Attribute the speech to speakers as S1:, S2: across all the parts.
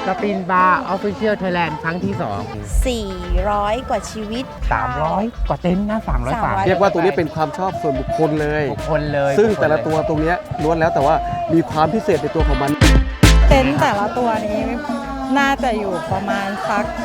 S1: สปินบาร์ออฟฟิเชียลไทยแลนด์ครั้งที่
S2: 400 กว่าชีวิต
S1: 300 กว่าเต็นท์นะ300ฝา
S3: เรียกว่าตัวนี้เป็นความชอบส่วนบุคคลเลย
S1: บุคคลเลย
S3: ซึ่งแต่ละตัวตรงนี้ล้วนแล้วแต่ว่ามีความพิเศษในตัวของมัน
S4: เต็นท์แต่ละตัวนี้น่าจะอยู่ประมาณสัก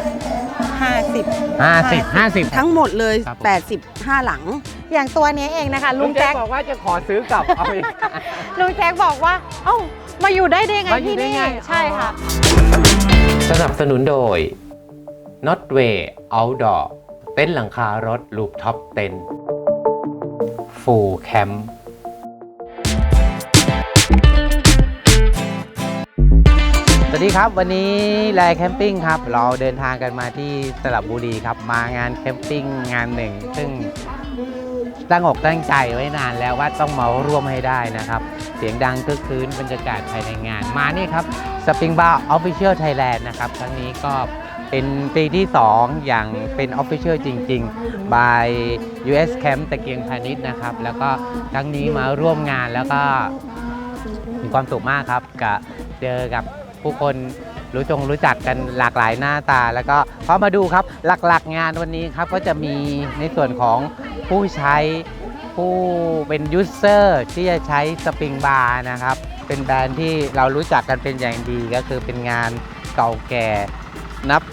S1: 50
S2: ทั้งหมดเลย
S1: ครับผม
S2: 85 หลัง
S4: อย่างตัวนี้เองนะคะลุงแจ็ค
S1: บอกว่าจะขอซื้อกลับเอาอีก
S4: ลุงแจ็คบอกว่าเอ้ามาอยู่ได้ไง
S1: มาอยู่
S4: ที่
S1: ได้
S4: นี่
S1: ไง
S4: ใช่ค่ะ
S5: สนับสนุนโดย Notway Outdoor เต็นท์หลังคารถลูปท็อปเต็นท์ Full Camp
S1: สวัสดีครับวันนี้แลแคมปิ้งครับเราเดินทางกันมาที่สระบุรีครับมางานแคมปิ้งงานหนึ่งซึ่งตั้งอกตั้งใจไว้นานแล้วว่าต้องมาร่วมให้ได้นะครับเสียงดังคึกคืนบรรยากาศภายในงานมานี่ครับ Spring Bar Official Thailand นะครับครั้งนี้ก็เป็นปีที่ 2 อย่างเป็น Official จริงๆ by US Camp ตะเกียงพาณิชย์นะครับแล้วก็ครั้งนี้มาร่วมงานแล้วก็มีความสุขมากครับกับเจอกับผู้คนรู้จักกันหลากหลายหน้าตาแล้วก็พอมาดูครับหลักๆงานวันนี้ครับก็จะมีในส่วนของผู้ใช้ผู้เป็นยูเซอร์ที่จะใช้สปริงบาร์นะครับเป็นแบรนด์ที่เรารู้จักกันเป็นอย่างดีก็คือเป็นงานเก่าแก่นับ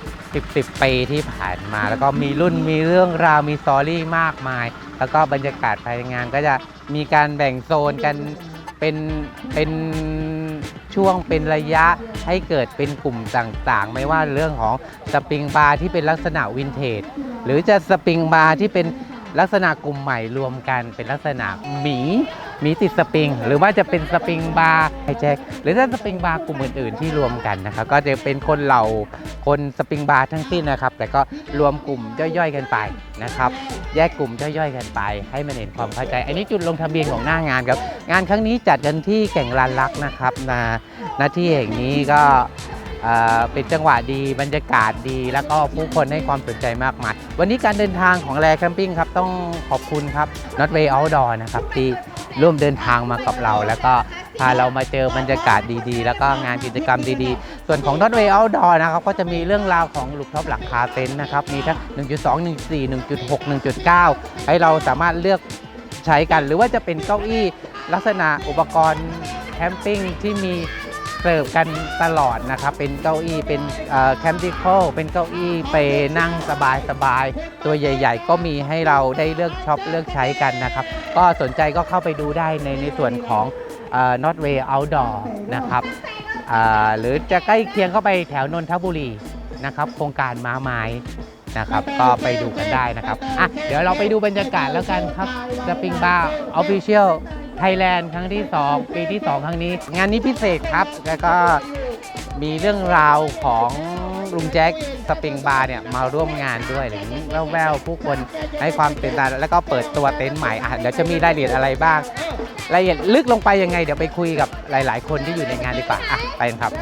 S1: 10 ปีที่ผ่านมาแล้วก็มีรุ่นมีเรื่องราวมีสตอรี่มากมายแล้วก็บรรยากาศภายในงานก็จะมีการแบ่งโซนกันเป็นช่วงเป็นระยะให้เกิดเป็นกลุ่มต่างๆไม่ว่าเรื่องของสปริงบาร์ที่เป็นลักษณะวินเทจหรือจะสปริงบาร์ที่เป็นลักษณะกลุ่มใหม่รวมกันเป็นลักษณะหมีติดสปริงหรือว่าจะเป็นสปริงบาร์ไฮแจ็คหรือถ้าสปริงบาร์กลุ่มอื่นๆที่รวมกันนะครับก็จะเป็นคนเหล่าคนสปริงบาร์ทั้งสิ้นนะครับแต่ก็รวมกลุ่มย่อยๆกันไปนะครับแยกกลุ่มย่อยๆกันไปให้มันเห็นความเข้าใจอันนี้จุดลงทะเบียนของหน้างานครับงานครั้งนี้จัดกันที่แก่งลานลักนะครับณที่แห่งนี้ก็เป็นจังหวะดีบรรยากาศดีแล้วก็ผู้คนให้ความสนใจมากมายวันนี้การเดินทางของแลแคมปิ้งครับต้องขอบคุณครับ Notway Outdoor นะครับที่ร่วมเดินทางมากับเราแล้วก็พาเรามาเจอบรรยากาศดีๆแล้วก็งานกิจกรรมดีๆส่วนของ Notway Outdoor นะครับก็จะมีเรื่องราวของลูกท็อปหลังคาเต็นท์นะครับมีทั้ง 1.2 1.4 1.6 1.9 ให้เราสามารถเลือกใช้กันหรือว่าจะเป็นเก้าอี้ลักษณะอุปกรณ์แคมปิ้งที่มีเสิร์ฟกันตลอดนะครับเป็นเก้าอี้เป็นแคมปิคอลเป็นเก้าอี้ไปนั่งสบายๆตัวใหญ่ๆก็มีให้เราได้เลือกช็อปเลือกใช้กันนะครับก็สนใจก็เข้าไปดูได้ในส่วนของNotway Outdoor นะครับหรือจะใกล้เคียงเข้าไปแถวนนทบุรีนะครับโครงการม้าไม้นะครับก็ไปดูกันได้นะครับเดี๋ยวเราไปดูบรรยากาศแล้วกันครับ Spring Bar Official Thailand ครั้งที่ 2 ปีที่ 2 ครั้งนี้งานนี้พิเศษครับแล้วก็มีเรื่องราวของลุงแจ็คสปริงบาร์เนี่ยมาร่วมงานด้วยหรือแววๆผู้คนให้ความตื่นตาแล้วก็เปิดตัวเต็นท์ใหม่เดี๋ยวจะมีรายละเอียดอะไรบ้างรายละเอียดลึกลงไปยังไงเดี๋ยวไปคุยกับหลายๆคนที่อยู่ในงานดีกว่าไปกันครับ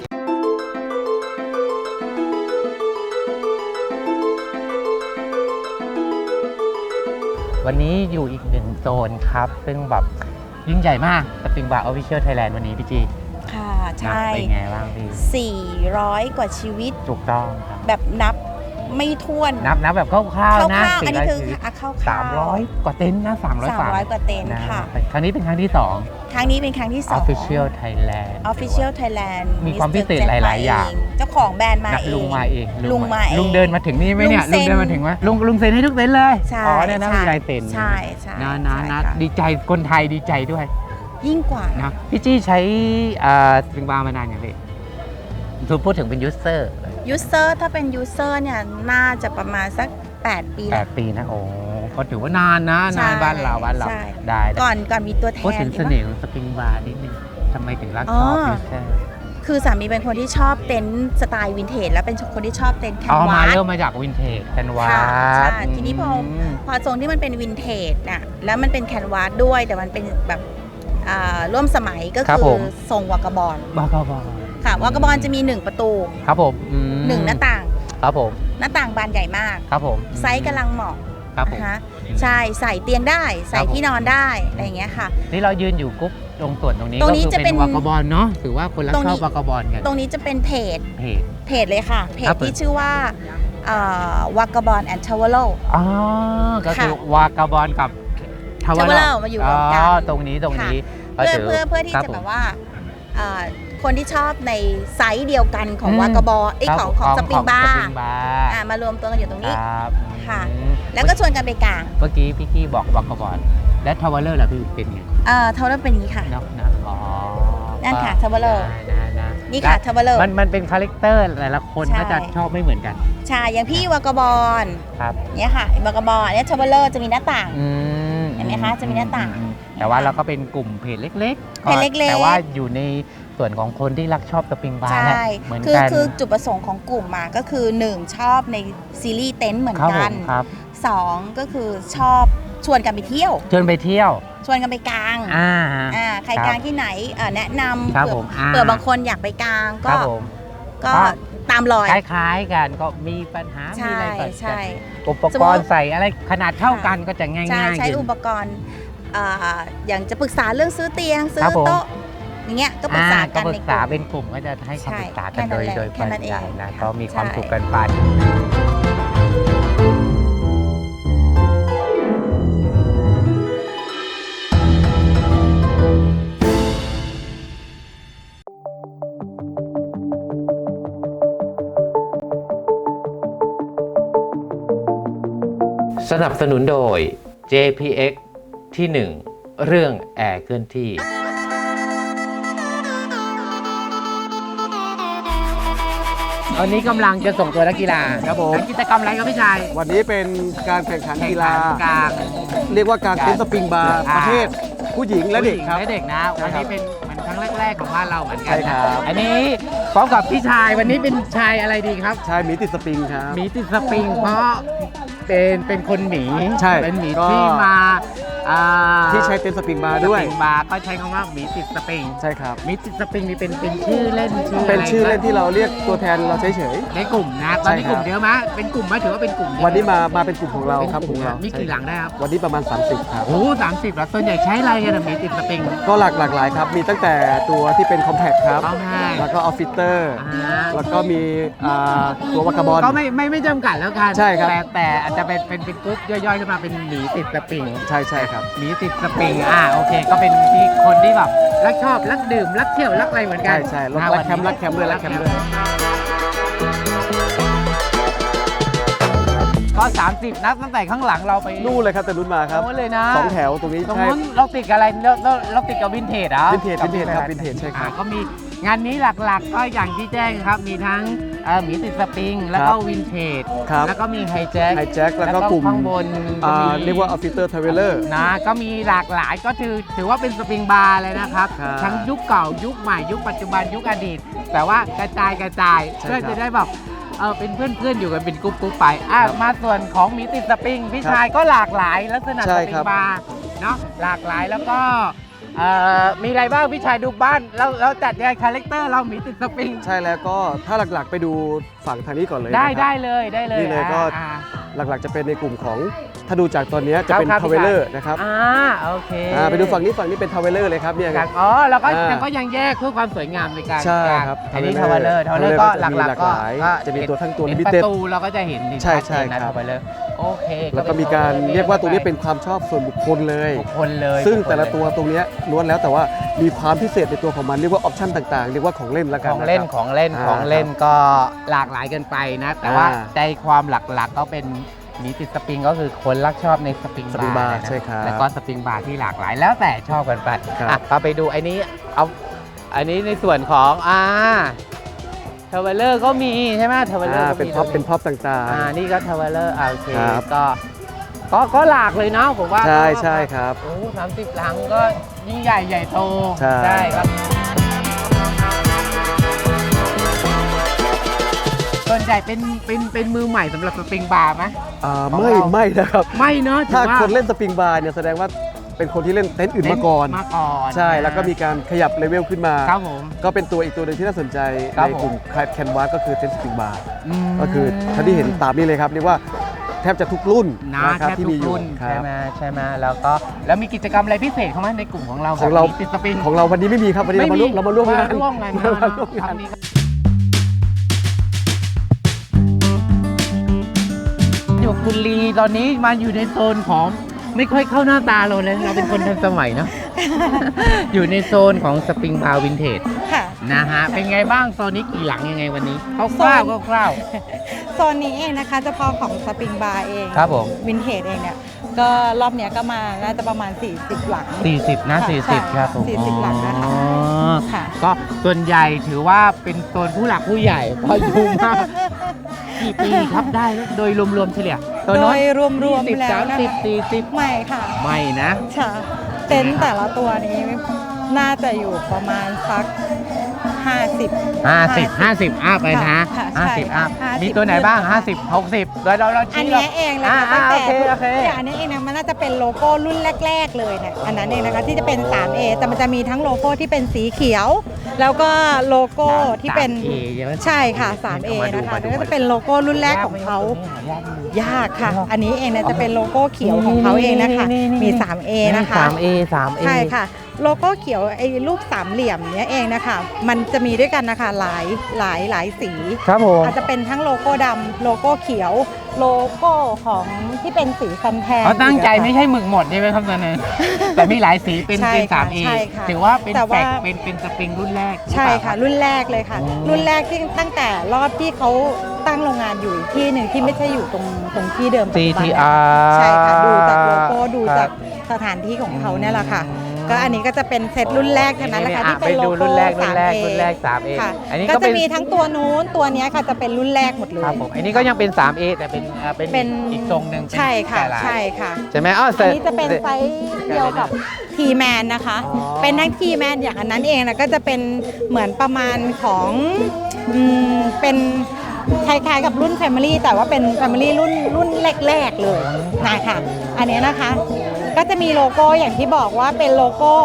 S1: วันนี้อยู่อีกหนึ่งโซนครับซึ่งแบบยิ่งใหญ่มากสปริงบาร์ออฟฟิเชียลไทยแลนด์วันนี้พี่จี
S2: ค่ะใช่
S1: เป็นไงบ้างพี่
S2: 400 กว่าชีวิต
S1: ถูกต้องครับ
S2: แบบนับไม่ถ้วน
S1: นับแบบคร่าวๆนะ
S2: อันนี้คือคร่าวๆ
S1: 300 กว่าเต็นท์นะ300
S2: 300 กว่าเต็นท์ค่ะ
S1: ครั้งนี้เป็นครั้งที่
S2: ครั้งนี้เป็นครั้งที่
S1: 2
S2: 2
S1: Official Thailand
S2: Official Thailand
S1: มีความพิเศษหลายๆอย่าง
S2: เจ้าของแบรนด์มาเอง
S1: ลุงมาเอง
S2: ลุงมาเอง
S1: ลุงเดินมาถึงนี่ไหมเนี่ย
S2: ลุ
S1: ลุ
S2: ง
S1: ง
S2: เซ็น
S1: เดินมาถึงไหมลุงเซ็นให้ทุกเต็นท์เลย
S2: ใช่
S1: เนี่ยนะมีลายเซ็น
S2: ใช่ใช่
S1: นะดีใจคนไทยดีใจด้วย
S2: ยิ่งกว่า
S1: นะพี่จี้ใช้สปริงบาร์มานานอย่างไรพูดถึงเป็นยูเซอร์
S2: ยูเซอร์ถ้าเป็นยูเซอร์เนี่ยน่าจะประมาณสัก8 ปีแล้ว
S1: 8 ปีนะโอ้ก็ถือว่านานนะ
S2: ใช่
S1: นานบ้านเรา
S2: ใช่
S1: ได้
S2: ก่อนมีตัวแทน
S1: พูดถึงเสน่ห์ของสปริงบาร์นิดนึงทำไมถึงรักชอบยูเซอร์
S2: คือสามีเป็นคนที่ชอบเต็นท์สไตล์วินเทจแล้วเป็นคนที่ชอบเต็นท์แคน
S1: เอามาว
S2: าส
S1: เริ่มมาจากวินเทจแคนวา
S2: ค่ะ
S1: ส
S2: ใช่ทีนี้พอทรงที่มันเป็นวินเทจน่ะแล้วมันเป็นแคนวาสด้วยแต่มันเป็นแบบร่วมสมัยก็คือทรงวากาบอล
S1: บากาบอล
S2: ค่ะวากาบอลจะมี1ประตู
S1: ครับผม
S2: 1หน้าต่าง
S1: ครับผม
S2: หน้าต่างบานใหญ่มาก
S1: ครับผม
S2: ไซส์กำลังเหมาะ
S1: ครับผม
S2: นะคะใช่ใส่เตียงได้ใส่ที่นอนได้อะไรอย่างเงี้ยค่ะ
S1: นี่เรายืนอยู่กรุ๊ปตรงส่วนตรงนี้
S2: ตร
S1: ก็
S2: งนี้
S1: คือ
S2: จะเป็
S1: เป็น นวากาบอลเนาะถือว่าคนรัก
S2: ตรง
S1: ช
S2: นี้
S1: อบวากาบอลกัน
S2: ตรงนี้จะเป็นเพจ
S1: เพจ
S2: เลยค่ะ เพ
S1: ครั
S2: จ
S1: บ
S2: ที่ชื่อว่าวากาบอลแอนด์ทาวเวล
S1: อ๋อก็คือ
S2: ค่ะ
S1: วากาบอลกับทาวเว
S2: Tawala มาอยู่รวมกัน
S1: ตรงนี้ก็ถื
S2: เพื่อที่
S1: ครั
S2: จะ
S1: ผม
S2: แบบว่าคนที่ชอบในไซส์เดียวกันของ
S1: อืม
S2: วากาบอล
S1: ครับ
S2: ของสปริงบา
S1: ส
S2: ร์
S1: ปริงบาร์
S2: มารวมตัวกันอยู่ตรงนี้
S1: ครับ
S2: ค่ะ
S1: อืม
S2: แล้วก็ชวนกันไปกลาง
S1: เมื่อกี้พี่กี้บอกวากาบอลและทาวเวลเลอร์ล่ะพี่เป็นไง
S2: ทาวเวลเป็นอย่างนี้ค่ะ
S1: เนาะอ๋อ
S2: นั่นค่ะ
S1: ก็
S2: Tawala
S1: นะ
S2: นี่ค่ะทาวเวล
S1: มันเป็นคาแรคเตอร์แต่ละคน
S2: ใช่
S1: ก็จะชอบไม่เหมือนกัน
S2: ใช่อย่างพี่วากาบอล
S1: ครับ
S2: เนี่ยค่ะวากาบอลเนี่ยทาวเวลจะมีหน้าต่าง
S1: อืม
S2: เห็นไหมคะจะมีหน้าต่าง
S1: แต่ว่าเราก็เป็นกลุ่มเพจเล็กๆ
S2: เพจเล็กๆ
S1: แต่ว่าอยู่ในส่วนของคนที่รักชอบสปริงบาร์
S2: ใช่
S1: แหละเหมือน
S2: คือ
S1: กัน
S2: คือจุดประสงค์ของกลุ่มมาก็คือ 1 ชอบในซีรีส์เต็นท์เหมือน
S1: ครับผ
S2: กัน
S1: มครับ
S2: 2 ก็คือชอบชวนกันไปเที่ยว
S1: เชิญไปเที่ยว
S2: ชวนกันไปกลาง ใคร
S1: ครับ
S2: กลางที่ไหนแนะนำ
S1: ครับ
S2: เผื่อ
S1: ผม
S2: เผื่อบางคนอยากไปกลาง
S1: ค
S2: ก็
S1: รับผม
S2: ก็
S1: ก็
S2: ตามรอย
S1: คล้ายๆกันก็มีปัญหา
S2: ใช่
S1: มีอะไรเกิด
S2: ใช่
S1: กันอุปกรณ์ใส่อะไรขนาดเท่ากันก็จะง่าย
S2: ใช่
S1: ๆ
S2: ใช้
S1: ขึ้น
S2: อุปกรณ์อย่างจะปรึกษาเรื่องซื้อเตียงซื้
S1: ครั
S2: อบ
S1: ผม
S2: โต๊ะอย่างเงี้ยก็ปรึกษา
S1: ก็
S2: กัน
S1: ปรึ
S2: ใน
S1: ก
S2: ก
S1: ษา
S2: ลุ่ม
S1: เป็นกลุ่มก็จะให้คำปรึกษากัน
S2: ใช่
S1: โดย
S2: แค่
S1: ป
S2: นั้
S1: ริ
S2: นเอง
S1: ยายนะ
S2: ค่ะ
S1: ก็มีความ
S2: ใช่
S1: สุขกันไป
S5: สนับสนุนโดย JPX ที่ 1 เรื่องแอร์เคลื่อนที่
S1: วันนี้กำลังจะส่งตัวนักกีฬา
S3: ครับผม
S1: กิจกรรมอะไรครับพี่ชาย
S3: วันนี้เป็นการแข่งขันกีฬา
S1: กลาง
S3: เรียกว่าการเต้นสปริงบาร์ประเภทผู้หญิงและเด็กครับ
S1: และเด็กนะ
S3: ใช่
S1: วัน
S3: ครับ
S1: นี้เป็นเหมือนครั้งแรกๆของบ้านเราเหมือนกั
S3: ใช่
S1: นะครับ อันนี้พร้อมกับพี่ชายวันนี้เป็นชายอะไรดีครับ
S3: ชายหมีติดสปริงครับ
S1: หมีติดสปริงเพราะเป็นคนหมี
S3: ใช่
S1: เป็นหมี
S3: ก็
S1: ที่มา
S3: ที่ใช้เต้นสปริงบาร์ด้วย
S1: สปริงบาร์ก็ใช้คำว่าหมีติดสปริง
S3: ใช่ครับ
S1: หมีติดสปริงนี่เป็นชื่อเล่นชื่อ
S3: เป็นชื่อ
S1: อะไร
S3: เล่นที่เราเรียกตัวแทนเราเฉย
S1: ในกลุ่มนะตอนนี้
S3: ใช่
S1: ก
S3: ครับ
S1: ลุ่มเยอะไหมเป็นกลุ่มไหมถือว่าเป็นกลุ่มเยอะ
S3: ๆ วันนี้มาเป็นกลุ่มของเรา
S1: เป็น
S3: ครับ
S1: กลุ่ม
S3: ของเรา
S1: มีกี่หลังได้ครับ
S3: วันนี้ประมาณ 30 ครับ
S1: โอ้30แล้วส่วนใหญ่ใช้อะไรกันอะหมีติดสปริง
S3: ก็หลากหลายครับ มีตั้งแต่ตัวที่เป็นคอมแพคครับ
S1: Compact
S3: แล้วก็ออฟฟิเตอร์ แล้วก็มีตัววากาบอล
S1: ก็ไม่จำกัดแล้วกัน
S3: ใช่ครับ
S1: แต่อาจจะเป็นกรุ๊ปย่อยๆขึ้นมาเป็นหมีติดสปริง
S3: ใช่ครับ
S1: หมีติดสปริงโอเคก็เป็นที่คนที่แบบรักชอบรักดื่มรักเที่ยวรักอะไรเหมือนกั
S3: ใช่
S1: น
S3: รักแคมป์รักแคมป์ด้วยรักแคมป์ด้วย
S1: ก็30นัดตั้งแต่ข้างหลังเราไป
S3: นู่นเลยครับแต่รุ่นมาครับ
S1: โน้นเลยนะ
S3: 2 แถวตรงนี้
S1: ตรง
S3: ใช่
S1: นู้นเราติดกับอะไรเราติดกับวินเทจเหรอ
S3: วินเทจครับวินเทจใช่ครับ
S1: ก็มีงานนี้หลักๆก็อย่างที่แจ้งครับมีทั้งหมีติดสปริงแล้วก็วินเทจ
S3: ครับ
S1: แล้วก็มีไฮแจ็ค
S3: ไฮแจ็คแล้วก็กลุ่ม
S1: ข้างบนก็มี
S3: เรียกว่าออฟฟิเตอร์ทาวเวลเลอร์
S1: นะก็มีหลากหลายก็ถือว่าเป็นสปริงบาร์เลยนะครับ
S3: ครับ
S1: ทั้งยุคเก่ายุคใหม่ยุคปัจจุบันยุคอดีต แต่ว่ากระจาย
S3: ใช่
S1: เพื่อ
S3: ครับ
S1: จะได้แบบเป็นเพื่อนๆอยู่กันเป็นกรุ๊ปไปมาส่วนของหมีติดสปริงพี่
S3: ครับ
S1: ชายก็หลากหลายลักษณะ
S3: ใช่
S1: สปริ
S3: ครั
S1: ง
S3: บ
S1: บาร์เนาะหลากหลายแล้วก็มีอะไรบ้างพี่ชายดูบ้านเราจัดยังไงคาแรคเตอร์เราหมีติดสปริง
S3: ใช่แล้วก็ถ้าหลักๆไปดูฝั่งทางนี้ก่อนเลย
S1: ได้
S3: นะครับ
S1: ได้เลย
S3: นี่เลยก็ หลักๆจะเป็นในกลุ่มของถ้าดูจากตอนนี้จะเป็น
S1: ครับ
S3: ทาวเวลเลอร์นะครับ
S1: โอเค
S3: ไปดูฝั่งนี้เป็นทาวเวลเลอร์เลยครับเนี่ยครับ
S1: เราก็
S3: อ่า
S1: ก็ยังแยกเพื่อความสวยงามในการ
S3: ใช่ครับ
S1: อันนี้ทาวเวลเลอร์ก็หลัก
S3: มี
S1: ๆก็
S3: หลายจะมีตัวทั้งตัว
S1: เห็น
S3: limited
S1: ประตูเราก็จะเห็น
S3: ใช่
S1: ชัดเจนนะ
S3: ครับ
S1: ทาวเวลเลอร์โอเค
S3: แล้วก็มีการเรียกว่าตัวนี้เป็นความชอบส่วนบุคคลเลย
S1: บุคคลเลย
S3: ซึ่งแต่ละตัวตรงเนี้ยล้วนแล้วแต่ว่ามีความพิเศษในตัวของมันเรียกว่าออปชั่นต่างๆ เรียกว่าของเล่นละกัน
S1: ของเล่น
S3: นะครับ
S1: ของเล่น
S3: อ่า
S1: ของเล่นก็หลากหลายกันไปนะ แต่ว่า
S3: อ่า
S1: ใจความหลักๆก็เป็นหมีติดสปริงก็คือคนรักชอบในสปริง
S3: สปริงบาร์
S1: นะ
S3: ใช่ครับ
S1: แล้วก็สปริงบาร์ที่หลากหลายแล้วแต่ชอบกันไป
S3: ครับ
S1: พาไปดูอันนี้อันนี้ในส่วนของทาวเวลเลอร์ก็มีใช่ไหมทาวเวลเลอร์
S3: เป็นพ็อปต่างๆ
S1: นี่ก็ทาวเวลเลอร์โอเค
S3: ครับ
S1: ก็หลากเลยเนาะผมว่า
S3: ใช่ครับ
S1: โอ้30 หลังก็ยิ่งใหญ่โต
S3: ใช่
S1: ครับส่วนใหญ่เป็นมือใหม่สำหรับสปริงบาร์ไหม
S3: ไม่นะครับ
S1: ไม่เนาะถื
S3: ถ้า
S1: อว่า
S3: คนเล่นสปริงบาร์เนี่ยแสดงว่าเป็นคนที่เล่นเต็นท์อื่นมาก่อน ใช่แล้วก็มีการขยับเลเวลขึ้นมา
S1: ครับผม
S3: ก็เป็นตัวอีกตัวหนึ่งที่น่าสนใจ
S1: ครับ
S3: ในกลุ่มแคนวาสก็คือเต็นท์สปริงบาร์
S1: ม
S3: ก็คือท่านที่เห็นตามนี้เลยครับเรียกว่าแทบจะทุกรุ่น
S1: นะ
S3: นะครับ
S1: แทบ
S3: ที่
S1: ทุ
S3: มี
S1: ก
S3: อยู่
S1: รุ่น
S3: ครั
S1: ใช่
S3: บ
S1: ไหมใช่ไหมแล้วมีกิจกรรมอะไรพิเศษเข้ามาในกลุ่มของเรา
S3: ของเรา
S1: แบบนี้ติดสปริง
S3: ของเราวันนี้ไม่มีครับวันนี้เรามาร่วมงาน
S1: ร่วมงาน
S3: มาร่วมงาน
S1: อยู่คุณลีตอนนี้มาอยู่ในโซนของไม่ค่อยเข้าหน้าตาเราเลยเราเป็นคนทันสมัยเนาะ อยู่ในโซนของสปริงบาร์วินเทจ
S4: ค่ะ
S1: นะฮะเป็นไงบ้างโซนนี้กี่หลังยังไงวันนี้คร่าวๆคร่าว
S4: โซนนี้เองนะคะเฉพาะของสปริงบาร์เอง
S1: ครับผม
S4: วินเทจเองเนี่ยก็รอบเนี้ยก็มาน่าจะประมาณ 40 หลัง
S1: 40นะ
S4: ค่ะ
S1: 40ครับผม
S4: 40หลังนะคะ
S1: อ๋อ
S4: ค่ะ
S1: ก็ส่วนใหญ่ถือว่าเป็นโซนผู้หลักผู้ใหญ่เพราะอยู่มากกี่ปีครับได้แล้วโดยรวมๆเฉลี่ยตัว
S4: โด
S1: น้อย
S4: ยรวมๆแล้วนะคะ
S1: 30 40
S4: ไม่ค่ะ
S1: ไม่นะ
S4: ค่ะเต็นท์แต่ละตัวนี้น่าจะอยู่ประมาณสัก 50
S1: 50 อัพเลยนะ
S4: ค่ะใช่
S1: 50 อัพ
S4: 50
S1: มีตัวไหนบ้าง 50 60เรา
S4: อัน
S1: ชี้
S4: เนี้ยเองเลยค่ะ
S1: อ่า
S4: ตั้งแต่
S1: โอเค
S4: อย่างอันนี้เองนะมันน่าจะเป็นโลโก้รุ่นแรก ๆ เลยเนี่ยอันนั้นเองนะคะที่จะเป็น 3A แต่มันจะมีทั้งโลโก้ที่เป็นสีเขียว แล้วก็โลโก้ที่เป็น
S1: 3A ใช่ไหม
S4: ใช่ค่ะ 3A นะคะแล้วก็จะเป็นโลโก้รุ่นแรกของเขายากค่ะ อันนี้เองเนี่ยจะเป็นโลโก้เขียวของเขาเองนะคะมี 3A นะคะ
S1: 3A
S4: ใช่ค่ะ โลโก้เขียวไอ้รูปสามเหลี่ยมเนี้ยเองนะคะมันจะมีด้วยกันนะคะหลายสี
S1: ครับผม
S4: อาจจะเป็นทั้งโลโก้ดำโลโก้เขียว โลโก้ของที่เป็นสีฟันแทน
S1: เขาตั้งใจ
S4: อีกอะค่ะ
S1: ไม่ใช่หมึกหมดใช่ไหมครับตอนนั้น แต่มีหลายสีเป็น
S4: ใช่
S1: เป็น
S4: ค่ะ
S1: 3A
S4: ใช่ค่ะ
S1: ถือว่าเป็น
S4: แต่
S1: แฟ
S4: ว่า
S1: กเป็นสปริงรุ่นแรก
S4: ใช่ค่ะ
S1: หรือเปล่า
S4: รุ่นแรกเลยค่ะ
S1: อืม
S4: รุ่นแรกที่ตั้งแต่รอบที่เขาตั้งโรงงานอยู่อีกที่หนึ่งที่ไม่ใช่อยู่ตรงที่เดิมปัจจุบันเนี่ย
S1: CTR
S4: ใช่ค่ะดูจากโลโก้ดู
S1: ครับ
S4: จากสถานที่ของเขาเนี่ยแหละค่ะ ก็อันนี้ก็จะเป็นเซตรุ่นแรกเท่านั้นแหละค่ะที่เป็นโล
S1: ไปดู
S4: โก้
S1: รุ่นแรก
S4: 3A
S1: รุ่นแรก 3A
S4: ค่ะ
S1: อันนี้
S4: ก็
S1: ก็
S4: จะ
S1: เป็น
S4: มีทั้งตัวนู้นตัวเนี้ยค่ะจะเป็นรุ่นแรกหมดเลย
S1: ครับผมอันนี้ก็ยังเป็น 3A แต่เป็นเป็น อีกทรงหนึ่งเป็น
S4: ใช่ค่ะ
S1: แต่ลาย
S4: ใช่ค่ะ
S1: ใช่ไหมอ๋อ
S4: อันนี้จะเป็นไซส์เดียวกับทีแมนนะคะ
S1: อ๋อ
S4: เป็นทั้งทีแมนอย่างอันนั้นเองนะก็จะเป็นเหมือนประมาณของเป็นคล้ายๆกับรุ่น Family แต่ว่าเป็น Family รุ่นแรกๆเลยนะคะอันนี้นะคะ ก็จะมีโลโก้อย่างที่บอกว่าเป็นโลโก้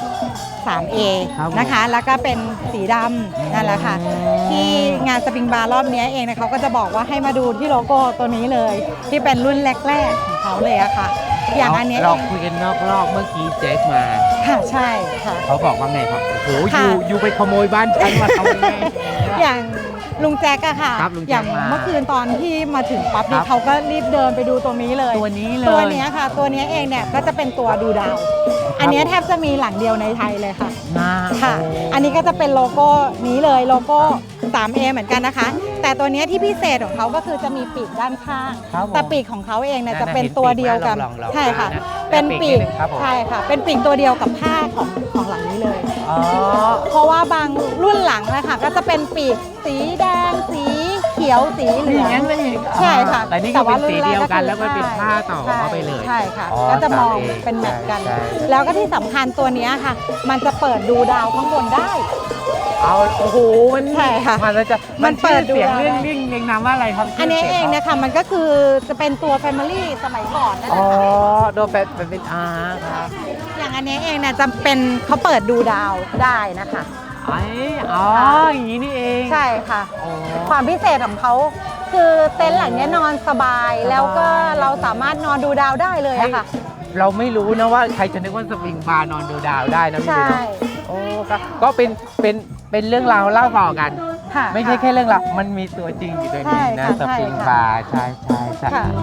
S4: 3A
S1: ครับผม
S4: นะคะ แล้วก็เป็นสีดำนั่นแหละค่ะ ที่งานสปริงบาร์รอบนี้เองนะเขาก็จะบอกว่าให้มาดูที่โลโก้ตัวนี้เลย ที่เป็นรุ่นแรกๆของเขาเลยอะค่ะ อย่างอันเนี้ย
S1: เราคุยกันนอกรอบเมื่อกี้แจ็คมา
S4: ค่ะใช่ค่ะ
S1: เขาบอกว่าไงครับโอ้โห
S4: ค่ะ
S1: อยู่ไปขโมยบ้านฉันมาทำไง
S4: อย่างลุงแจ๊กอะค่ะ
S1: ครับลุงแจ๊ค
S4: อย่าง
S1: มา
S4: เมื่อคืนตอนที่มาถึงปั๊บ
S1: ครั
S4: นี่
S1: บ
S4: เขาก็รีบเดินไปดูตรงนี้เลย
S1: ตัวนี้เลย
S4: ตัวเนี้ยค่ะ ตัวเนี้ยเองเนี่ยก็จะเป็นตัวดูดาว อันเนี้ยแทบจะมีหลังเดียวในไทยเลยค่ะ
S1: นะ
S4: ค่ะ อันนี้ก็จะเป็นโลโก้นี้เลยโลโก้ 3A เหมือนกันนะคะ แต่ตัวเนี้ยที่พิเศษของเขาก็คือจะมีปีกด้านข้าง
S1: ครับผม
S4: แต่ปีกของเขาเองเนี่ย
S1: นั่น
S4: จะ
S1: น่ะ
S4: เป็น
S1: เห็น
S4: ตัว
S1: ปีก
S4: เดียวกัน
S1: ไหมลองๆ
S4: ใช่ค่ะ
S1: นะ
S4: เป็นปีก
S1: ปีกนิดนึงครับผม
S4: ใช่ค่ะ เป็นปีกตัวเดียวกับผ้าของหลังนี้เลย
S1: อ๋อ
S4: เพราะว่าบางรุ่นหลังนะคะก็จะเป็นปีกสีแดงสีเขียวสีเหลื
S1: นี่
S4: อง
S1: งั้นไม่เห็น
S4: ใช่ค่ะ
S1: แต่นี่ก็เป็นสีเดียวกันแล้วก็เป็นผ้าต่อ
S4: ใช่
S1: เข้าไปเลย
S4: ใช่ค่ะ
S1: อ๋อ
S4: ก็จะมอง
S1: 3A
S4: เป็นแมทกัน
S1: ใช่
S4: แล้วก็ที่สำคัญตัวเนี้ยค่ะ มันจะเปิดดูดาวข้างบนได้
S1: เอาโอ้โหมัน
S4: ใช่ค่ะ
S1: มันจะ
S4: มันเปิดดู
S1: เสียง
S4: ได้
S1: เรียงนามว่าอะไรครับ
S4: อันนี้
S1: ชื่
S4: เอง
S1: สี
S4: เนี่ยค่ะมันก็คือจะเป็นตัว Family สมัยก่อนนั่นแห
S1: อ๋อ
S4: ละค่ะ
S1: โดนเป็นครับ
S4: อย่างอันนี้เองเนี่ยจะเป็นเขาเปิดดูดาวได้นะคะ
S1: อ๋ออย่างนี้นี่เอง
S4: ใช่ค่ะ
S1: อ๋อ
S4: ความพิเศษของเขาคือเต็นท์หลังเนี้ยนอนสบาย แล้วก็เราสามารถนอนดูดาวได้เลยอะค่ะ
S1: เราไม่รู้นะว่าใครจะนึกว่าสปริงบาร์นอนดูดาวได้นะพี่
S4: ใช่
S1: เบนโอ้ก็เป็นเรื่องราวเล่าต่อกัน
S4: ค่ะ
S1: ไม่ใช่แค่เรื่องราวมันมีตัวจริงอยู่ในนี้นะ
S4: ใช่ค่ะ
S1: สปริง
S4: ใช่ค่ะ
S1: บาร์ใช่ใช่
S4: ค่ะ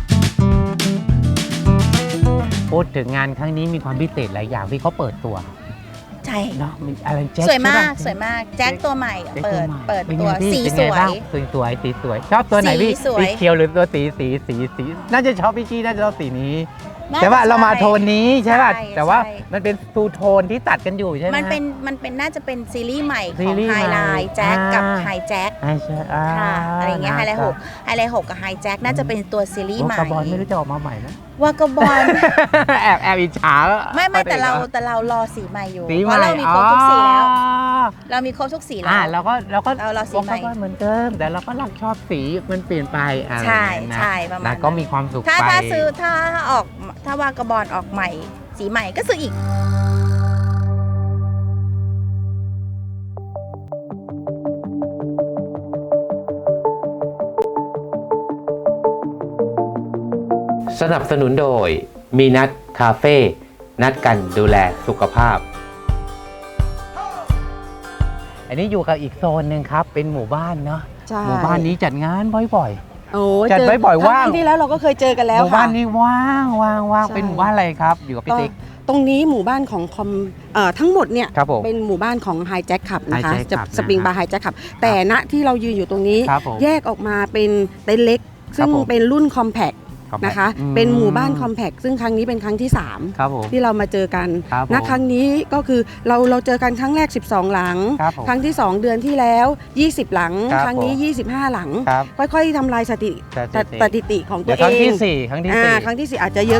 S1: พูดถึงงานครั้งนี้มีความพิเศษหลายอย่างที่เขาเปิดตัว
S2: ใช่
S1: เนาะมีอะไรแจ็ค
S2: สวยมาก
S1: ใช่ปะ
S2: สวยมากแจ็คตัวใหม่
S1: แจ็ค
S2: เปิ
S1: ตัว
S2: ด
S1: ใหม่
S2: เปิด
S1: เป็น
S2: ตัว
S1: ไงพี่
S2: สี
S1: เป็น
S2: ส
S1: ไง
S2: ว
S1: บ้าง
S2: ย
S1: สีสวยชอบตัวไหนพี่
S2: สีสวย
S1: สีเขียวหรือตัวสีน่าจะชอบพี่กี้น่าจะชอบสีนี้
S2: น่า
S1: แต่ว่า
S2: จะ
S1: เรามา
S2: ใช่
S1: โทนนี้ใช่ป่ะ
S2: ใช่
S1: แต่ว่า
S2: ใช่
S1: มันเป็นทูโทนที่ตัดกันอยู่ใช่ไหม
S2: มันเป็นน่าจะเป็นซีรีส์ใหม่ข
S1: ซี
S2: อง
S1: รีส์
S2: ไฮ
S1: ใหม่
S2: ไลท์แจ็คกับ
S1: อ่า
S2: ไฮแจ็ค
S1: ใช่ใช่
S2: ค่ะอะไรเงี้ยไฮไลท์
S1: ค
S2: ห
S1: รับ
S2: กไฮไลท์หกกับไฮแจ็คน่าจะเป็นตัวซีรีส์ใหม่
S1: กระบอลไม่รู้จะออกมาใหม่นะ
S2: วากาบอล
S1: แอบอิจฉา
S2: ไม่แต่เรารอสีใหม่อยู่
S1: สี
S2: เพ
S1: ใหม่
S2: ราะเรามีครบทุกสีแล้ว
S1: อ๋อ
S2: เรามีครบทุกสีแล้ว
S1: เราก็
S2: เราสีใหม่
S1: ก็เหมือนเดิมแต่เราก็รักชอบสีมันเปลี่ยนไปอะไร
S2: ใช่
S1: อย่างเงี้ยนะ
S2: ใช่ประมาณ
S1: นะ
S2: นั้น
S1: ก็มีความสุข
S2: ถ้า
S1: ไป
S2: ถ้าวากาบอลออกใหม่ สีใหม่ก็ซื้ออีก
S5: สนับสนุนโดยมีนัดคาเฟ่นัดกันดูแลสุขภาพ
S1: อันนี้อยู่กับอีกโซนหนึ่งครับ เป็นหมู่บ้านเนาะ
S6: ใช่
S1: หมู่บ้านนี้จัดงานบ่อย
S6: โอ้
S1: จัดไว้บ่อยว่าง
S6: ครั้ที่แล้วเราก็เคยเจอกัน
S1: ๆ
S6: แล้ว
S1: หมู่บ้าน
S6: ค่ะ
S1: นี้ว่าง
S6: ใช่
S1: เป็นหมู่บ้านอะไรครับ อยู่กับพี่
S6: ก็
S1: ติ๊ก
S6: ตรงนี้หมู่บ้านของคอมทั้งหมดเนี่ย
S1: ครับผม
S6: เป็นหมู่บ้านของไฮแจ็คขับนะคะ
S1: Hijack
S6: จะ
S1: Club
S6: สปริง
S1: นะฮะ
S6: บาร์ไฮแจ็คขับแต่ณที่เรายืนอยู่ตรงนี้
S1: ครับผม
S6: แยกออกมาเป็นเต็นท์เล็ก ซึ่ง
S1: ผม
S6: เป็นรุ่นคอมแพค
S1: Compact
S6: นะคะ
S1: อืม
S6: เป็นหมู่บ้านคอมแพคซึ่งครั้งนี้เป็นครั้งที่
S1: ครับผม
S6: 3 ที่เรามาเจอกัน
S1: ครับผม
S6: ณครั้งนี้ก็คือเราเจอกันครั้งแรก 12 หลัง
S1: ครับผม
S6: ครั้งที่ 2 เดือนที่แล้ว 20 หลัง
S1: ครับ
S6: ครั้งนี้
S1: ผม
S6: 25 หลัง
S1: ครับ
S6: ค่อยๆทำลายสถิติของตั
S1: เดี๋ยว ว
S6: เอ
S1: ครั้งที่
S6: ง
S1: สี่ครั้งที่สี่
S6: ครั้งที่ 4 อาจจะเยอะ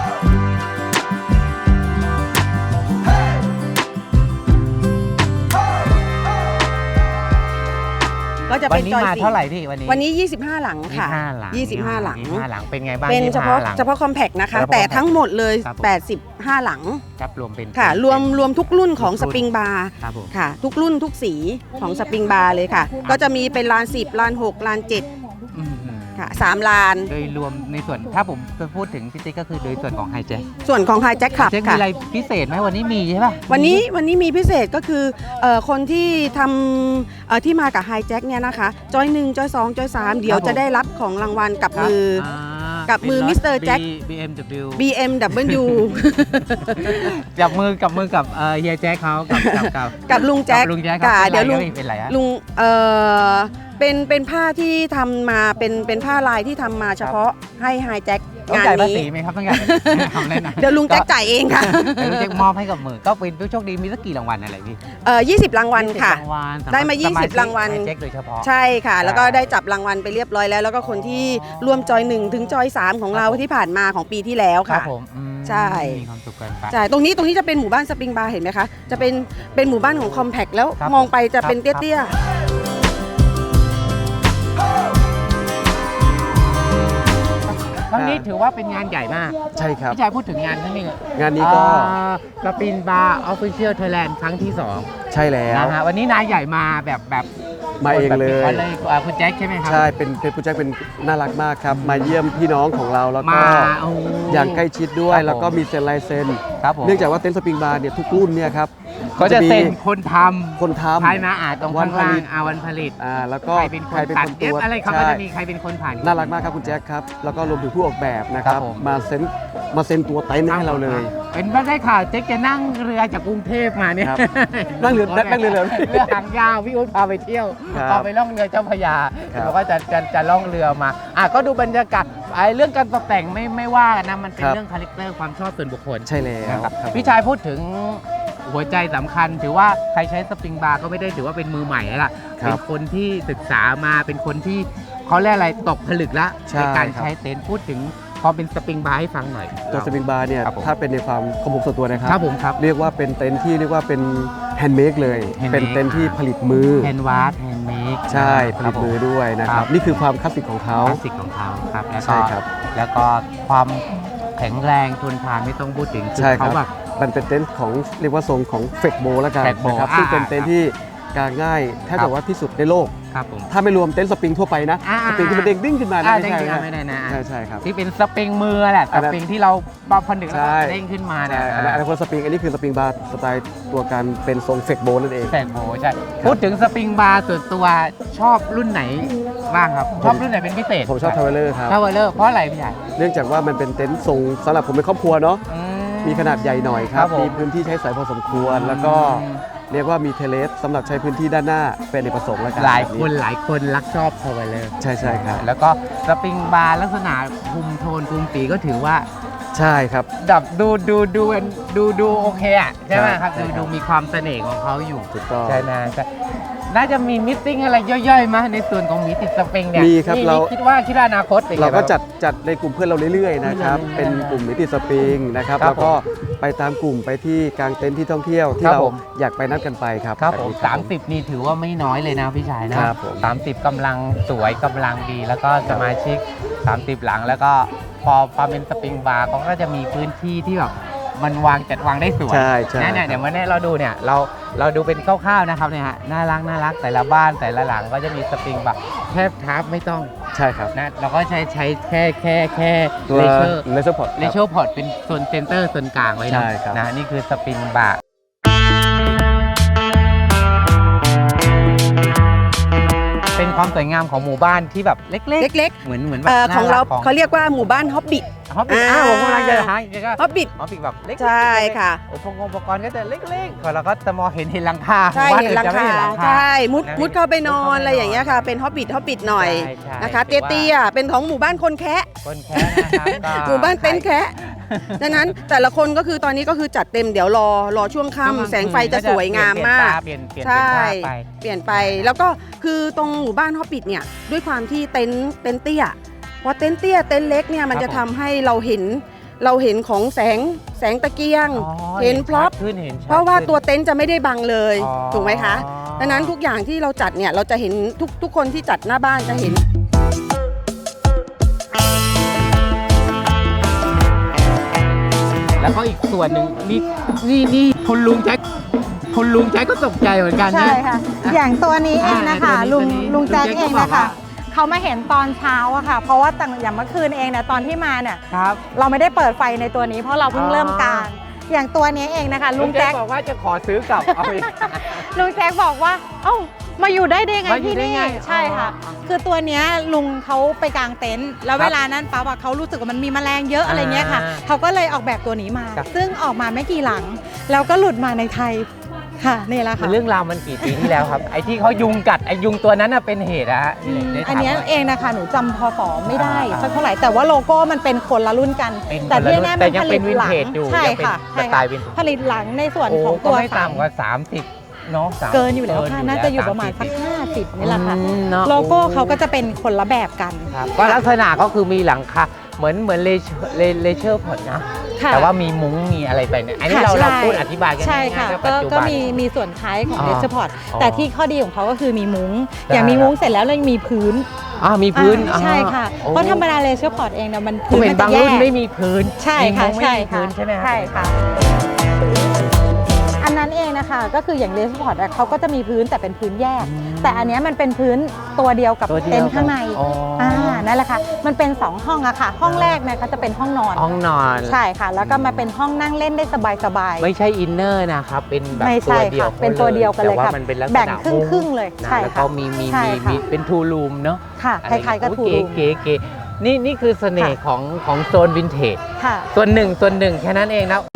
S6: ก็จะ
S1: วั
S6: เป็น น
S1: นี้
S6: จอย
S1: มา
S6: สี
S1: เท่าไหร่พี่วันนี้
S6: วันนี้ 25 หลังค่ะ
S1: 25 หลัง
S6: 25 หลัง
S1: 25 หลังเป็นไงบ้าง
S6: เป็นเฉพาะ
S1: 25หลัง
S6: คอมแพคนะคะ
S1: เฉพาะ
S6: แต่ทั้งหมดเลย
S1: ครับผม
S6: 85 หลัง
S1: ครับรวมเป็น
S6: ค่ะ รวมทุกรุ่นของ
S1: ทุ
S6: ส
S1: กรุ่น
S6: ปริงบาร์
S1: ครับผม
S6: ค่ะ ทุกรุ่นทุกสีของสปริงบาร์เลยค่ะ ก็จะมีเป็นลาน 10 ลาน 6 ลาน
S1: อืม
S6: 7 ค่ะ 3 ลาน
S1: โดยรวมในส่วนถ้าผมจะพูดถึงพี่ติ๊กก็คือโดยส่วนของไฮแจ็ค
S6: ส่วนของไฮแจ็คขับ
S1: เจ๊มี
S6: ค่ะ
S1: อะไรพิเศษไหมวันนี้มีใช่ป่ะ
S6: วันนี้มีพิเศษก็คือคนที่ทำที่มากับไฮแจ็คเนี่ยนะคะจอย1จอย2จอย3เดี๋ยวจะได้รับของรางวัลกับมือ กับมือ Mr. Jack
S1: BMW
S6: BMW
S1: จับมือกับเฮียแจ็คเขากับ
S6: กับลุงแจ็ค
S1: ลุงแจ็ค
S6: ค่ะ
S1: ครับ
S6: เดี๋ยวลุง
S1: เป็นไรฮะ
S6: ลุงเป็นผ้าที่ทำมาเป็นผ้าลายที่ทำมาเฉพาะให้ไฮแจ็ค
S1: ต้อง
S6: งาน
S1: จ่ายภา
S6: นี้
S1: ษีไหมครับต้องจ่ายทำเล่นนะ
S6: เดี๋ยวลุงแจ็คจ่ายเองค่ะ
S1: เดี๋ยวลุงแจ็คมอบให้กับมือก็เป็นผู้โชคดีมีสักกี่รางวัลอะไรพี่
S6: 20 รางวัลค่ะ
S1: 20รางวัลสำหรับ
S6: ได้มา
S1: สชิก
S6: 20รางวัล
S1: ไฮแจ็คโดยเฉพาะ
S6: ใช่ค่ะ แล้วก็ได้จับรางวัลไปเรียบร้อยแล้ว แล้วก็คนที่ร่วมจอย1ถึงจอย3ของเรา
S1: ครับผม
S6: ที่ผ่านมาของปีที่แล้ว
S1: ครั
S6: ค่ะ
S1: บผมอืม
S6: ใช่
S1: มีความสุขกันไป
S6: ใช่ตรงนี้จะเป็นหมู่บ้านสปริงบาร์เห็นไหมคะ จะเป็นหมู่บ้านของคอมแพคแล้ว
S1: ครับ
S6: มองไปจะเป็น
S1: ครับ
S6: เตี้ย
S1: ครั้งนี้ถือว่าเป็นงานใหญ่มาก
S3: ใช่ครับ
S1: พี่ชายพูดถึงงานครั้งนี้
S3: งานนี้ก็
S1: สปินบาร์ออฟฟิเชียลไทยแลนด์ครั้งที่
S3: ใช่แล้
S1: 2
S3: ว
S1: นะฮะวันนี้นายใหญ่มาแบบ
S3: มาเองเลย
S1: คนเลยคุณแจ็คใช่ไหมครับ
S3: ใช่เป็นผู้แจ็คเป็นน่ารักมากครับ มาเยี่ยมพี่น้องของเราแล้วก็
S1: มาโอ้
S3: อย่างใกล้ชิดด้ว
S1: ครั
S3: ย
S1: บผม
S3: แล้วก็มีเซ็นลายเซ็น
S1: ครับผม
S3: เนื่องจากว่าเต็นท์สปริงบาร์เนี่ยทุกรุ่นเนี่ยครับ
S1: ก็จะ
S3: มี
S1: เซ็นคนท
S3: คนท
S1: ำภายในตรง
S3: วั
S1: ข้าน ง
S3: ผ
S1: ล่า
S3: ลิ
S1: ง
S3: ต
S1: วันผลิต
S3: ำแล้วก็
S1: ใครเป็นคนตัด
S3: ตัว
S1: อะไรเขาก็
S3: ใช่
S1: จะมีใครเป็นคนผ่าน
S3: น่ารักมากครับคุณแจ็คครับ แล้วก็รวมถึงผู้ออกแบบนะค
S1: ครั
S3: รั
S1: บบ ผม
S3: มาเซ็นตัวเต็นท์ให้เราเลย
S1: เป็นไม่ได้ข่าวเจ๊กจะนั่งเรือจากกรุงเทพมาเนี่ย
S3: ครับ นั่งเรือนั่งเรือ
S1: เรือหางยาวพี่อุ้ยพาไปเที่ยว
S3: ครับ
S1: พาไปล่องเรือเจ้าพระยา
S3: ครับ
S1: แล้วก็จะล่องเรือมาก็ดูบรรยากาศไอ้เรื่องการตกแต่งไม่ว่ากันนะมันเป็นเรื่องคาแรคเตอร์ความชอบส่วนบุคคล
S3: ใช่แล้ว
S1: นะครับ
S3: ครับ
S1: พี่ชายพูดถึงหัวใจสำคัญ ถือว่าใครใช้สปริงบาร์ก็ไม่ได้ถือว่าเป็นมือใหม่แล้วล่ะ
S3: ครับ
S1: เป็นคนที่ศึกษามาเป็นคนที่เขาเรียกอะไรตกผลึกละ
S3: ใช่
S1: ในการ
S3: ครับ
S1: ใช้เต็นท์พูดถึงความเป็นสปริงบาร์ให้ฟังหน่อย
S3: ตัวสปริงบาร์เนี่ย
S1: ครับผม
S3: ถ้าเป็นในความของผมส่วนตัวนะครั
S1: ครับผมครับ
S3: เรียกว่าเป็นเต็นท์ที่เรียกว่าเป็นแฮนด์เมดเลย
S1: handmade
S3: เป็นเต็นท์ที่ผลิตมือ
S1: แฮนด์วาร์ดแฮนด์เมด
S3: ใช่ผลิตมือด้วยนะค
S1: ครั
S3: รับ
S1: บ
S3: นี่คือความคลาสสิกของเขา
S1: คลาสสิกของเขาครับแล้ว
S3: ใช่
S1: ก็
S3: ครับ
S1: แล้วก็ความแข็งแรงทนทานไม่ต้องพูดถึงคือ
S3: ใช่ครับ
S1: เขาแบบ
S3: มันเป็นเต็นท์ของเรียกว่าทรงของเฟกโบแล้วกัน
S1: Fake bow
S3: นะครับซึ่งเป็นเต็นท์ที่กางง่ายแทบ
S1: ครับ
S3: จะว่าที่สุดในโลก
S1: ครับผม
S3: ถ้าไม่รวมเต็นท์สปริงทั่วไปนะ สปริงที่มันเด้งดิ้งขึ้นมานะ
S1: เด้งขึ้นมา
S3: ไม่
S1: ไม่
S3: ใช่
S1: ได้นะ
S3: ใช่ครับ
S1: ที่เป็นสปริงมือแหละ
S3: อั
S1: ส
S3: นนั้น
S1: ปริงที่เราผนึกแล้ว
S3: ใช่
S1: ก็เด้งขึ้นมาเนี่ย
S3: อันนั้นคนสปริงอันนี้คือสปริงบาร์สไตล์ตัวการเป็นทรงเฟกโบนั่นเอง
S1: แฟนโบใช่พูดถึงสปริงบาร์ส่วนตัวชอบรุ่นไหนบ้างครับ ชอบรุ่นไหนเป็นพิเศษ
S3: ผมชอบทาวเวลเลอร์ครับ
S1: ทาวเวลเลอร์เพราะอะไรพี่ใหญ่
S3: เนื่องจากว่ามันเป็นเต็นท์ทรงสำหรับผมเป็นครอบครัวเนาะมีขนาดใหญ่หน่อยค
S1: ค
S3: รั
S1: รับ บผม
S3: มีพื้นที่ใช้สอยพอสมควร แล้วก็เรียกว่ามีเทเลสสำหรับใช้พื้นที่ด้านหน้าเป็นอเนกประสงค์แล้วกัน
S1: หลายคนรักชอบทาวเวลเลอร์
S3: ใช่ครับ
S1: แล้วก็สปริงบาร์ลักษณะคุมโทนคุมสีก็ถือว่า
S3: ใช่ครับ
S1: ดับดูโอเคอ่ะใช่ไหมครับ
S3: ใช่ครับ
S1: ดูมีความเสน่ห์ของเขาอยู่
S3: ถูกต้อง
S1: ใช่นะใช่น่าจะมีมิทติ้งอะไรย่อยๆมาในส่วนของมีติดสปริงเนี่ย
S3: มีครับ
S1: นี่
S3: เรา
S1: คิดว่าอนาคตเป็นไง
S3: เราก็
S1: บ้ง
S3: จัดในกลุ่มเพื่อนเราเรื่อยๆนะครับ
S1: เรื่อยๆ
S3: เป็นกลุ่มนิติสปริงนะครับ
S1: ครับ
S3: แล้วก็ไปตามกลุ่มไปที่กลางเต็นท์ที่ท่องเที่ยวที่
S1: ครับ
S3: เรา
S1: ผม
S3: อยากไปนัดกันไปครับ
S1: ครับผม
S3: แบบนี้
S1: 30 นี่ถือว่าไม่น้อยเลยนะพี่ชายนะครับ
S3: ผม
S1: 30กำลังสวยกำลังดี แล้วก็สมาชิก 30 หลังแล้วก็พอเป็นสปริงบาร์เขาก็จะมีพื้นที่ที่แบบมันจัดวางได้สวย
S3: ใช่ใช่
S1: เนี่ยเดี๋ยววันนี้เราดูเนี่ยเราดูเป็นคร่าวๆนะครับเนี่ยฮะน่ารักแต่ละบ้านแต่ละหลังก็จะมีสปริงแบบแค่ทับไม่ต้อง
S3: ใช่ครับ
S1: นะเราก็ใช้แค่
S3: ตัว
S1: เลเชอร์
S3: เลเซอร์พอร์ต
S1: เลเชอร์พอร์ตเป็นโซนเซนเตอร์โซนกลางไว้
S3: ใช่
S1: นะครับ นะนี่คือสปริงบาร์เป็นความสวยงามของหมู่บ้านที่แบบเล็ก
S6: เล็ก
S1: ๆ เหมือนแบบ
S6: ๆของเรา
S1: น่
S6: เขาเรียกว่าหมู่บ้านฮอบบิท
S1: ฮอปปี้ผมกำลังจะหาอีกก็
S6: ฮอบบิท
S1: ฮอปปี้แบบเล็กๆ
S6: ใช่ค่ะ
S1: อุปกรณ์ก็จะเล็กๆเราก็จะมองเห็นหลังคา
S6: ใช่
S1: บ้าน
S6: เห็น
S1: อื่
S6: หลัง
S1: จะไม่
S6: คา
S1: เห็นหลังคา
S6: ใช่มุด
S1: นะ
S6: มุดเข้าไปนอ
S1: มุดเข้าไปนอน
S6: นอะไรอย่างเงี้ยค่ะ เป็นฮอบบิทหน่อย
S1: ใช่
S6: นะคะ
S1: ถือว่า
S6: เตี้ยๆเป็นของหมู่บ้านคนแคะ
S1: คนแค่นะครับก็
S6: หมู่บ้านเต็นท์แคะดังนั้นแต่ละคนก็คือตอนนี้ก็คือจัดเต็มเดี๋ยวรอช่วงค่ำแสงไฟจะสวยงามมาก
S1: เปลี่ยน
S6: ใช่
S1: ไป
S6: เปลี่ยนไปแล้วก็คือตรงหมู่บ้านฮอบบิทเนี่ยด้วยความที่เต็นท์เตี้ยพอเต็นท์เตี้ยเต็นท์เล็กเนี่ยมันจะทำให้เราเห็นของแสงตะเกียง
S1: อ๋อ
S6: เห็นพร็อพ
S1: ขึ้นเห็นชัด
S6: เพราะว่า
S1: ขึ้น
S6: ตัวเต็นท์จะไม่ได้บังเลย
S1: อ๋อ
S6: ถูกไหมคะดังนั้นทุกอย่างที่เราจัดเนี่ยเราจะเห็นทุกคนที่จัดหน้าบ้านจะเห็น
S1: แล้วก็อีกส่วนหนึ่งนี่คุณลุงแจ็คก็ตกใจเหมือนกัน
S4: ใช่
S1: นะ
S4: ค่ะ อย่างตัวนี้เองนะคะ
S1: ตัวนี้
S4: ลุงแจ็ค
S1: ลุงแจ็ค
S4: เอง
S1: ก็บอก
S4: นะคะ
S1: ว่า
S4: เขามาเห็นตอนเช้าอะค่ะ เพราะว่าอย่างเมื่อคืนเองเนี่ยตอนที่มาเนี่ย
S1: ครับ
S4: เราไม่ได้เปิดไฟในตัวนี้เพราะเราเพิ่งเริ่มกาง อย่างตัวนี้เองนะคะ ลุงแจ็ค
S1: บอกว่าจะขอซื้อกลับเอาอีก
S4: ลุงแจ็คบอกว่าเอ้ามาอยู่ได้ไง
S1: มาอยู่
S4: ที่
S1: ได้
S4: นี่
S1: ไง
S4: ใช่ค่ะ
S1: อ๋อ
S4: คือตัวเนี้ยลุงเขาไปกางเต็นท์แล้ว
S1: ครับ
S4: เวลานั้นปั๊บอะเขารู้สึกว่ามันมีแมลงเยอะอะไรเงี้ยค่ะ
S1: อ่า
S4: เขาก็เลยออกแบบตัวนี้มา
S1: ครับ
S4: ซึ่งออกมาไม่กี่หลัง แล้วก็หลุดมาในไทยค่ะนี่แหละค่ะ
S1: เรื่องราวมันกี่ปีที่แล้วครับ ไอ้ที่เขายุงกัดไอ้ยุงตัวนั้นน่ะเป็นเหตุอะฮะได้ถาม
S4: อันเนี้ย
S1: ว่า
S4: เองนะคะหนูจำพศไม่ได้
S1: อ่า
S4: สักเท่าไหร่แต่ว่าโลโก้มันเป็นคนละรุ่นกัน
S1: เป็น
S4: แต่
S1: คนละ
S4: ที่
S1: รุ่น
S4: แน่
S1: แต่
S4: มัน
S1: ยัง
S4: ผ
S1: เป็
S4: ลิ
S1: น
S4: ต
S1: วิน
S4: หลัง
S1: เทจอยู่
S4: ใช่
S1: ยังเป็น
S4: ค่ะ
S1: ส
S4: ใช่
S1: ไต
S4: ค่ะ
S1: ล์วินเทจ
S4: ผลิตหลังในส่วน
S1: โอ้
S4: ของ
S1: ก็
S4: ตัว
S1: ไม่
S4: ถัง
S1: ต่ำกว่า30เนาะ30
S4: เกินอยู่แล้วค่ะ น่าจะอยู่ประมาณสัก
S1: 30
S4: 50นี่แหละค่ะ
S1: เนอะ
S4: โลโก้เขาก็จะเป็นคนละแบบกัน
S1: ครับก็ลักษณะก็คือมีหลังคาเหมือนเลเชอร์พอร์ตนะ
S4: ค่ะ
S1: แต่ว่ามีมุ้งมีอะไรไปเนี่ยอันนี้
S4: ค่ะ
S1: เรา
S4: ใช่
S1: พูดอธิบายกัน
S4: ใช่ค่ะ
S1: ง่ายๆ
S4: ก็
S1: ปัจจุ
S4: ก็
S1: บัน
S4: มีส่วนคล้ายของ
S1: อ๋อ
S4: เดสพอร์ต
S1: อ๋อ
S4: แต่ที่ข้อดีของเขาก็คือมีมุ้ง
S1: ได้
S4: อย่างมีมุ้งเสร็จแล้วเรายังมีพื้น
S1: มีพื้น
S4: ใช่ค่ะ
S1: โอ้
S4: เพราะธรรมดาเลเชอร์พอร์ตเองเนี่ยมัน
S1: ผม
S4: พื้น
S1: เห็
S4: มัน น
S1: บา
S4: จะ
S1: ง
S4: แย
S1: รุ่น
S4: ก
S1: ไม่มีพื้น
S4: ใช่ค่ะ
S1: มีมุ้ง
S4: ใช่
S1: ไม่มี
S4: ค่ะ
S1: พื้นใช่ไหมครับ
S4: ใช่ค่ะ อันนั้นเองนะคะก็คืออย่างเลสพอร์ตเขาก็จะมีพื้นแต่เป็นพื้นแยก แต่อันเนี้ยมันเป็นพื้นตัวเดียวกับ
S1: ตัวเดียว
S4: เต็นท์ข้างใน
S1: อ๋ออ่
S4: นั่นแหละค่ะมันเป็น2ห้องอะค่ะ ห้องแรกเนี่ยก็จะเป็นห้องนอน
S1: ห้องนอน
S4: ใช่ค่ะ แล้วก็มาเป็นห้องนั่งเล่นได้สบายๆ
S1: ไม่ใช่อินเนอร์นะครับ เป็นแบบ
S4: ไม่
S1: ตั
S4: ใช่
S1: วเดียว
S4: ค่ะเป็นตัวเดียวกันเลย
S1: แต่ว่า
S4: ค่ะ
S1: มันเป็นลักษณะ
S4: แบ่งครึ่งๆเลย
S1: นะ
S4: ใช่
S1: แล้ว
S4: ค่ะ
S1: ก็มี
S4: ใช่ค่ะ
S1: เป็นทูรูมเนาะ
S4: ค่ะคล้ายๆกับทูรูม
S1: เก๋ๆนี่คือเสน่ห์ของโซนวินเทจ
S4: ค่ะ
S1: ส่วนหนึ่งแค่นั้นเองนะ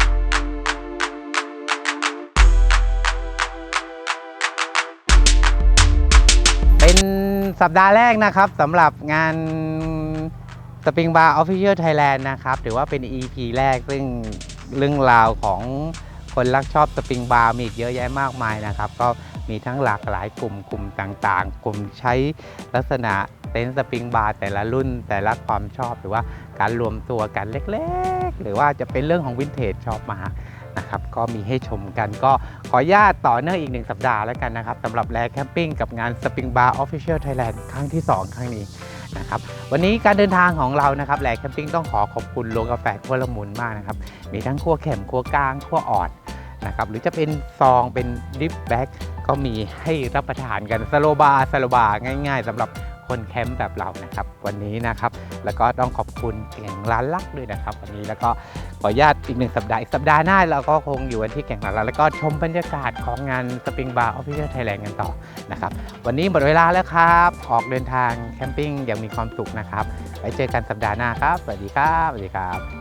S1: เป็นสัปดาห์แรกนะครับสำหรับงาน Spring Bar Official Thailand นะครับถือว่าเป็น EP แรกซึ่งเรื่องราวของคนรักชอบสปริงบาร์มีอีกเยอะแยะมากมายนะครับ ก็มีทั้งหลากหลายกลุ่มต่างๆ กลุ่มใช้ลักษณะเต็นท์สปริงบาร์แต่ละรุ่นแต่ละความชอบหรือว่าการรวมตัวกันเล็กๆ หรือว่าจะเป็นเรื่องของวินเทจชอบมานะครับก็มีให้ชมกันก็ขออนุญาตต่อเนื่องอีก1สัปดาห์แล้วกันนะครับสำหรับแลแคมปิ้งกับงาน Spring Bar Official Thailand ครั้งที่ 2 ครั้งนี้นะครับวันนี้การเดินทางของเรานะครับแลแคมปิ้งต้องขอบคุณโรงกาแฟขั้วละมุนมากนะครับมีทั้งขั้วเข็มขั้วกลางขั้วอ่อนนะครับหรือจะเป็นซองเป็นดิฟแบ็กก็มีให้รับประทานกันสโลบาร์ง่ายๆสำหรับคนแคมป์แบบเรานะครับวันนี้นะครับแล้วก็ต้องขอบคุณแก่งร้านลักด้วยนะครับวันนี้แล้วก็ขออนุญาตอีก1สัปดาห์อีกสัปดาห์หน้าเราก็คงอยู่กันที่แก่งร้านลักแล้วก็ชมบรรยากาศของงาน Spring Bar Official Thailand กันต่อนะครับวันนี้หมดเวลาแล้วครับออกเดินทางแคมปิ้งอย่างมีความสุขนะครับไว้เจอกันสัปดาห์หน้าครับสวัสดีครับ